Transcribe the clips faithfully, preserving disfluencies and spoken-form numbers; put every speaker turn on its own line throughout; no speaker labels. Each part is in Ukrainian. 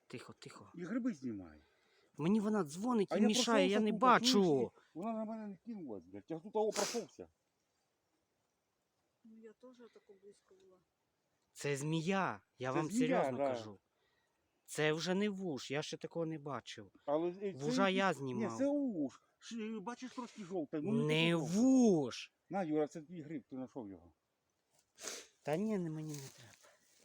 Тихо, тихо.
І гриби знімай.
Мені вона дзвонить
А
і
я
мішає, я
пройшовся
не
тут,
бачу.
чуєш, і Вона на мене не кинулась, блядь. Я тут того пройшовся.
Ну я теж тако близько була.
Це змія, я
Це
вам
змія,
серйозно
да.
кажу. Це вже не вуж, я ще такого не бачив.
Але е, це
Вужа
якийсь-
я
Ні,
знімав.
це уж. Ш- Бачиш, трошки жовте. Ну,
Не
такий жовтий.
вуж.
На, Юра, це твій гриб, ти знайшов його.
Та ні, не мені не треба.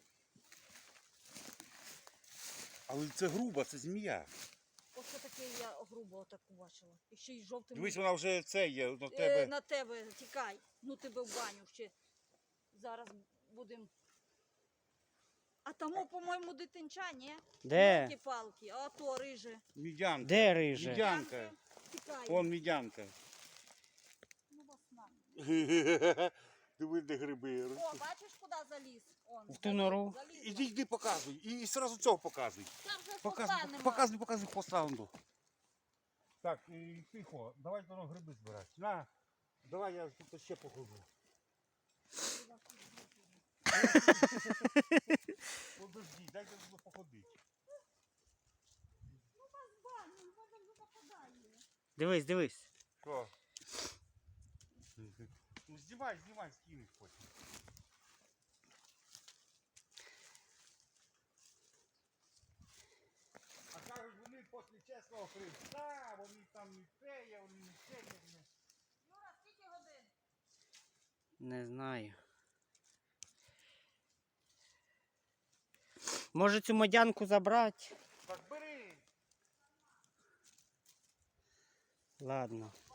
Але це груба, це змія.
Оце таке я грубо таку бачила. І ще й жовтим.
Дивись, вона вже це є на
Е,
тебе.
на тебе тікай. Ну тебе в баню ще. Зараз будемо. А тому, по-моєму, дитинча, ні?
Де?
Палки, а то риже.
Мідянка.
Де риже?
Мідянка.
Тікай.
Вон мідянка.
Ну, вас на.
Диви, де гриби.
О, бачиш, куди заліз? Он,
В ту нору.
заліз.
Іди, йди, показуй. І, і одразу цього показуй.
Там вже
Показуй,
хвоста нема.
показуй, показуй по саунду. Так, і тихо, давай тоді гриби збирати. На, давай я тут ще походжу. Подожди, дайте тут походити.
Ну, вас баню, воно вже западає.
Дивись, дивись.
Що? Ну знімай, знімай, скинь потім. А кажуть, вони після чесного Христа, вони там не те є, вони не те є.
Юра, скільки годин?
Не знаю. Може цю модянку забрати?
Так бери.
Ладно.